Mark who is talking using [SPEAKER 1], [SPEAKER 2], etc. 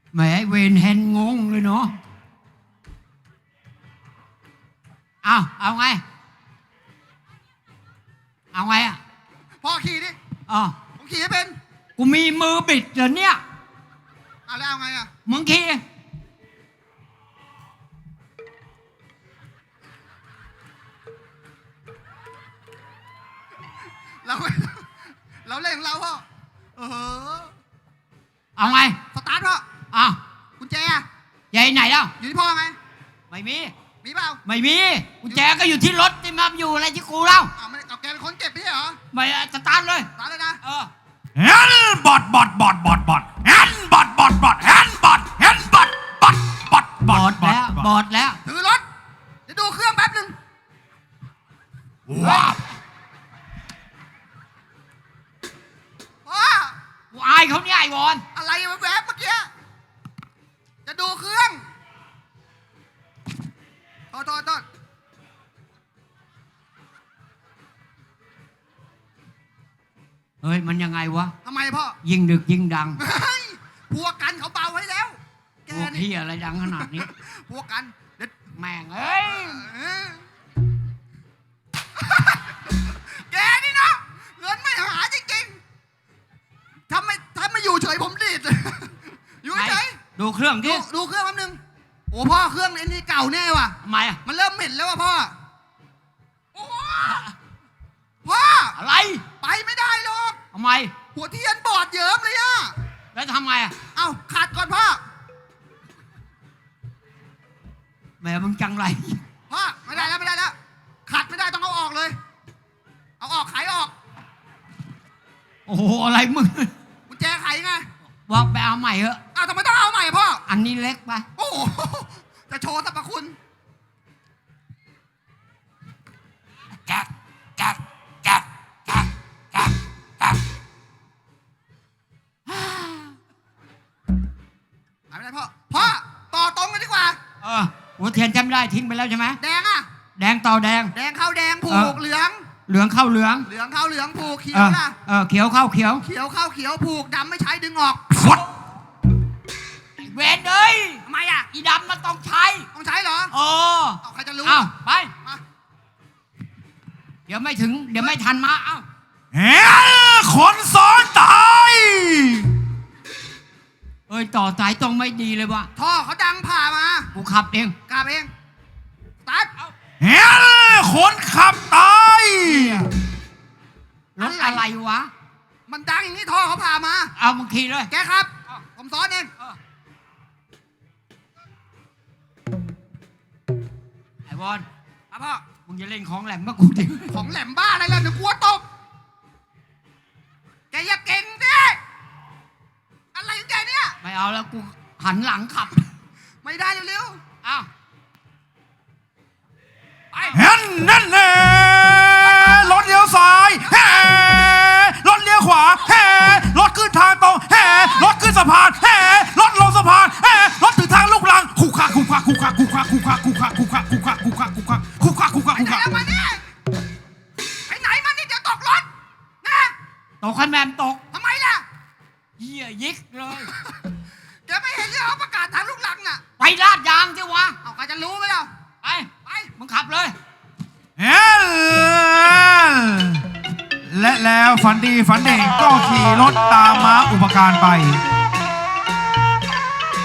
[SPEAKER 1] แหมเวนเฮนงงเลยเนาะเอาไงอ่ะ
[SPEAKER 2] พ่อขี่ดิ
[SPEAKER 1] อ๋อ
[SPEAKER 2] ผมขี่ให้เป็น
[SPEAKER 1] กูมีมือบิดเหรอเนี่ย
[SPEAKER 2] แล้วเอาไงอ่ะ
[SPEAKER 1] มึงขี่
[SPEAKER 2] เราเราเล่นของเราพ่อ
[SPEAKER 1] เอาไง
[SPEAKER 2] สตาร์ทพ่อกุญแจ
[SPEAKER 1] ใหญ่ไหนแล้ว
[SPEAKER 2] อยู่ที่พ่อไง
[SPEAKER 1] ไม่มี
[SPEAKER 2] เปล่า
[SPEAKER 1] ไม่มีกุญแจก็อยู่ที่รถที่มาอยู่อะไรที่กูเล่า
[SPEAKER 2] ไม่เอาแกเป็นคนเก็บไม่ใช่เหรอ
[SPEAKER 1] ไม่สตาร์ทเลย
[SPEAKER 2] นะ
[SPEAKER 3] แฮนบอดแฮนบอดแฮนบอด
[SPEAKER 1] แล้ว
[SPEAKER 2] ถือรถจะดูเครื่องแป๊บนึง
[SPEAKER 3] ว้า
[SPEAKER 2] พ่อ
[SPEAKER 1] กูอายเขาเนี่ยไอ้วอน
[SPEAKER 2] อะไรแวบเมื่อกี้จะดูเครื่องโทษ
[SPEAKER 1] เฮ้ยมันยังไงวะ
[SPEAKER 2] ทำไมพ่อ
[SPEAKER 1] ยิ่งดึกยิ่งดัง
[SPEAKER 2] พวกกันเขาเบาไว้แล้ว
[SPEAKER 1] พวกที่อะไรดังขนาดนี้
[SPEAKER 2] พวกกัน
[SPEAKER 1] แม่งเอ้ย
[SPEAKER 2] แกนี่นะเงินไม่หาจริงๆถ้าไม่อยู่เฉยผมดีดอยู่เฉย
[SPEAKER 1] ดูเครื่องดิ
[SPEAKER 2] ดูเครื่องแป๊บนึงโอ้พ่อเครื่องไอ้นี่เก่าแน่ว่ะ
[SPEAKER 1] ทำไมอ่ะ
[SPEAKER 2] มันเริ่มเหม็นแล้วว่ะพ่อโอ้พ่อ
[SPEAKER 1] อะไร
[SPEAKER 2] ไปไม่ได้หรอก
[SPEAKER 1] ทำไม
[SPEAKER 2] หัวเทียนบอดเยิ้มเลยอ่ะ
[SPEAKER 1] แล้วทำไงอ่ะ
[SPEAKER 2] ขัดก่อนพ่อ
[SPEAKER 1] แม่มึงจังไร
[SPEAKER 2] พ่อไม่ได้แล้วขัดไม่ได้ต้องเอาออกเลยเอาออกไขออก
[SPEAKER 1] โอ้โหอะไรมึง
[SPEAKER 2] กุญแจไขไง
[SPEAKER 1] บอกไปเอาใหม่เหอะ
[SPEAKER 2] ทำไมต้องเอาใหม่พ่อ
[SPEAKER 1] อันนี้เล็กไป
[SPEAKER 2] โอ้โหจะโชว์สรรพคุณ
[SPEAKER 3] แก๊ก
[SPEAKER 2] ไม่ได้พ่อต่อตรงกันดีกว่า
[SPEAKER 1] หัวเทียนจำได้ทิ้งไปแล้วใช่ไหม
[SPEAKER 2] แดง
[SPEAKER 1] แดงต่อแดง
[SPEAKER 2] เข้าแดงผูกเหลือง
[SPEAKER 1] เข้าเหลือง
[SPEAKER 2] เข้าเหลืองผูกเขียวล่ะ
[SPEAKER 1] เขียวเข้าเขียว
[SPEAKER 2] เข้าเขียวผูกดำไม่ใช้ดึงออก
[SPEAKER 3] ฟด
[SPEAKER 1] เวนเอ้ย
[SPEAKER 2] ทำไมอ่ะ
[SPEAKER 1] อีดำมันต้องใช้
[SPEAKER 2] เหรอใครจะรู้
[SPEAKER 1] ไปเดี๋ยวไม่ทันมา
[SPEAKER 3] แฮคนซ้อนตาย
[SPEAKER 1] ต่อสายตรงไม่ดีเลยวะ
[SPEAKER 2] ท่อเขาดังผ่ามา
[SPEAKER 1] กูขับเอง
[SPEAKER 2] กลับเองตัด
[SPEAKER 3] แฮคนขับตาย
[SPEAKER 1] รถอะไรวะ
[SPEAKER 2] มันดังอย่างนี้ท่อเขาผ่ามา
[SPEAKER 1] มึงขี่เลย
[SPEAKER 2] แกครับผมซ้อนเอง
[SPEAKER 1] ไอ้บอล
[SPEAKER 2] พ่อ
[SPEAKER 1] มึงจะเล่นของแหลมมากูดิ
[SPEAKER 2] ของแหลมบ้าอะไรล่ะเดี๋ยวกลัวตกแกอย่าเก่งดิอะไรของแกเนี่ย
[SPEAKER 1] ไม่เอาแล้วกูหันหลังขับ
[SPEAKER 2] ไม่ได้เร็ว
[SPEAKER 3] ไปนั่นแหละรถเลี้ยวซ้ายรถเลี้ยวขวารถขึ้นทางตรงรถขึ้นสะพานรถลงสะพานรถถึงทางลูกรังคุกคัก
[SPEAKER 2] ไปไหนมานี่เดี๋ยวตกรถนะ
[SPEAKER 1] ตกคันแมนตก
[SPEAKER 2] ทำไมล่ะ
[SPEAKER 1] เหี้ยยิกเลย
[SPEAKER 2] แกไม่เห็นที่เขาประกาศทางลูกรังน่ะ
[SPEAKER 1] ไปลาดยางสิวะ
[SPEAKER 2] ใครจะรู้ไหมล่ะ
[SPEAKER 1] ไปมึงขับเลย
[SPEAKER 3] และแล้วฝันดีฝันเด่งก็ขี่รถตามม้าอุปการไป